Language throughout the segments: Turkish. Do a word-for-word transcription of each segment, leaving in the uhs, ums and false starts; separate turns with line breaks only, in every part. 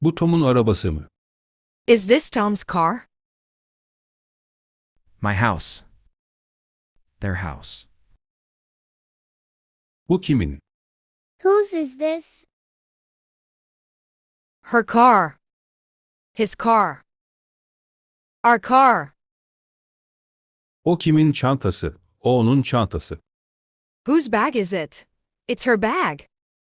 Bu Tom'un arabası mı?
Is this Tom's car?
My house. Their house.
Bu kimin?
Whose is this?
Her car. His car. Our car.
O kimin çantası? O onun çantası.
Whose bag is it? It's her bag.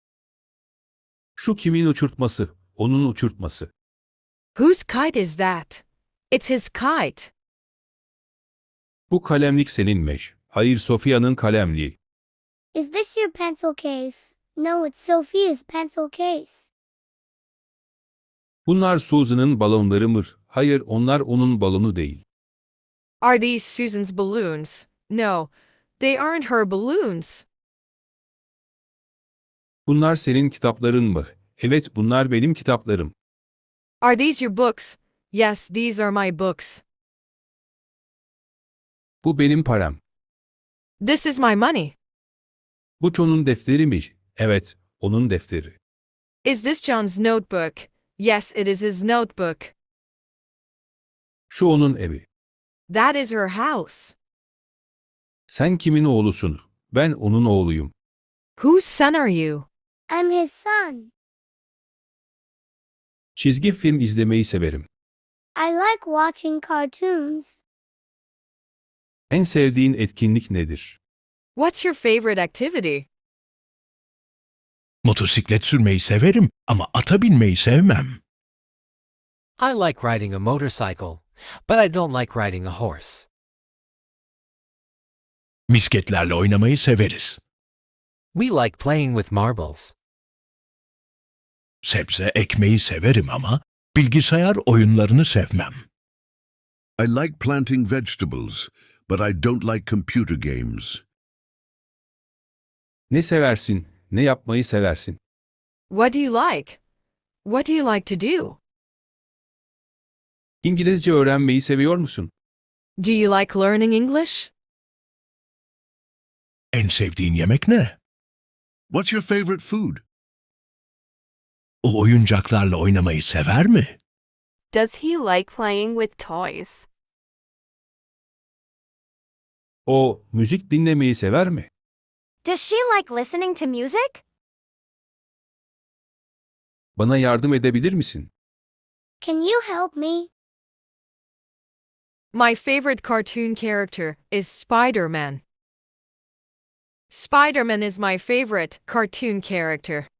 Şu kimin uçurtması? Onun uçurtması.
Whose kite is that? It's his kite.
Bu kalemlik senin mi? Hayır, Sophia'nın kalemliği.
Is this your pencil case? No, it's Sophia's pencil case.
Bunlar Susan'ın balonları mı? Hayır, onlar onun balonu değil.
Are these Susan's balloons? No, they aren't her balloons.
Bunlar senin kitapların mı? Evet, bunlar benim kitaplarım.
Are these your books? Yes, these are my books.
Bu benim param.
This is my money.
Bu John'un defteri mi? Evet, onun defteri.
Is this John's notebook? Yes, it is his notebook.
Şu onun evi.
That is her house.
Sen kimin oğlusun? Ben onun oğluyum.
Whose son are you?
I'm his son.
Çizgi film izlemeyi severim.
I like watching cartoons.
En sevdiğin etkinlik nedir?
What's your favorite activity?
Motosiklet sürmeyi severim ama ata binmeyi sevmem.
I like riding a motorcycle, but I don't like riding a horse.
Misketlerle oynamayı severiz.
We like playing with marbles.
Sebze ekmeyi severim ama bilgisayar oyunlarını sevmem.
I like planting vegetables, but I don't like computer games.
Ne seversin? Ne yapmayı seversin?
What do you like? What do you like to do?
İngilizce öğrenmeyi seviyor musun?
Do you like learning English?
En sevdiğin yemek ne?
What's your favorite food?
O oyuncaklarla oynamayı sever mi?
Does he like playing with toys?
O, müzik dinlemeyi sever mi?
Does she like listening to music?
Bana yardım edebilir misin?
Can you help me?
My favorite cartoon character is Spider-Man. Spider-Man is my favorite cartoon character.